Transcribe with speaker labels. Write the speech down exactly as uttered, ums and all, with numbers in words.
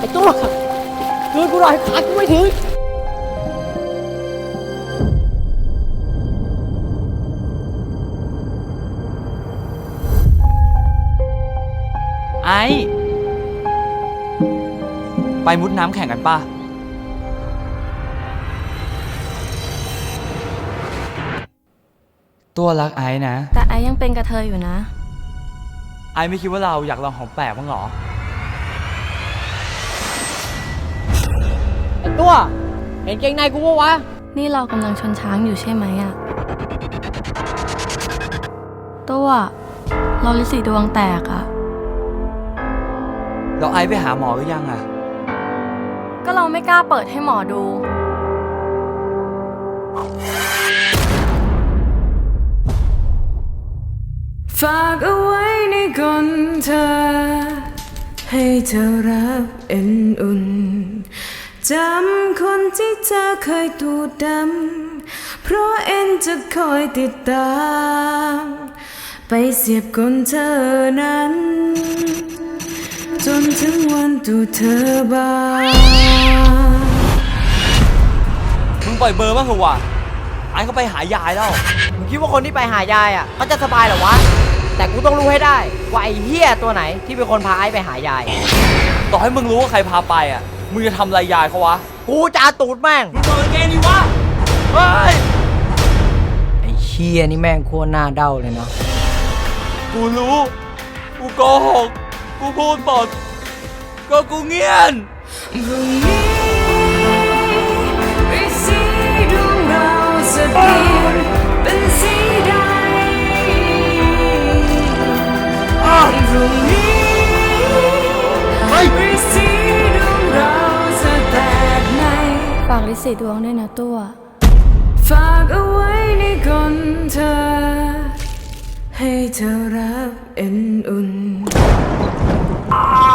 Speaker 1: อ้ตัวช่วยกูหน่อยขากูไม่ถึง
Speaker 2: ไอ้ไปมุดน้ำแข่งกันป่ะตัวรักไอ้นะ
Speaker 3: แต่ไอ้ยังเป็นกระเทยอยู่นะ
Speaker 2: ไอ้ไม่คิดว่าเราอยากลองของแปลกบ้างหรอ
Speaker 1: ไอ้ตัวเห็นเกงในกูปะวะ
Speaker 3: นี่เรากำลังชนช้างอยู่ใช่ไหมอะตัวเราลิสีดวงแตกอะ
Speaker 2: เราไอ้ไปหาหมอหรือยังอะ
Speaker 3: ก็เราไม่กล้าเปิดให้หมอดู
Speaker 4: ฝากเอาไว้ในกลเธอให้เธอรับเอ็นอุ่นจำคนที่เธอเคยตูดดำเพราะเอ็นจะคอยติดตามไปเสียบกลเธอนั้นจนถึงวันตูเธอบาน
Speaker 2: มึงปล่อยเบอร์บ้างเถอะวะไอ้เขาไปหายายแล้ว
Speaker 1: มึงคิดว่าคนที่ไปหายายอ่ะเขาจะสบายเหรอวะแต่กูต้องรู้ให้ได้ว่าไอ้เหี้ยตัวไหนที่เป็นคนพาไอ้ไปหายาย
Speaker 2: ต่อให้มึงรู้ว่าใครพาไปอ่ะมึงจะทำอะไรยายเขาวะ
Speaker 1: กูจะเอาตูดแม่ง
Speaker 2: มึงเปิดเกมดิวะเฮ้ย
Speaker 1: ไอ้เหี้ยนี่แม่งโคตรหน้าเด้าเลยเนาะ
Speaker 2: กูรู้กูโกหกกูพูดหมดก็กูเงียน
Speaker 4: พรุ่งนี้ฤทธิ์สีดวงเราจะเปลี่ยนเป็นสีใดพรุ่งนี้ฤทธิ์สีดวงเราจะแตกใน
Speaker 3: ฝากลิสีดวงด้วยนะตัว
Speaker 4: ฝากเอาไว้ในกลเธอให้เธอรับเอ็นอุ่น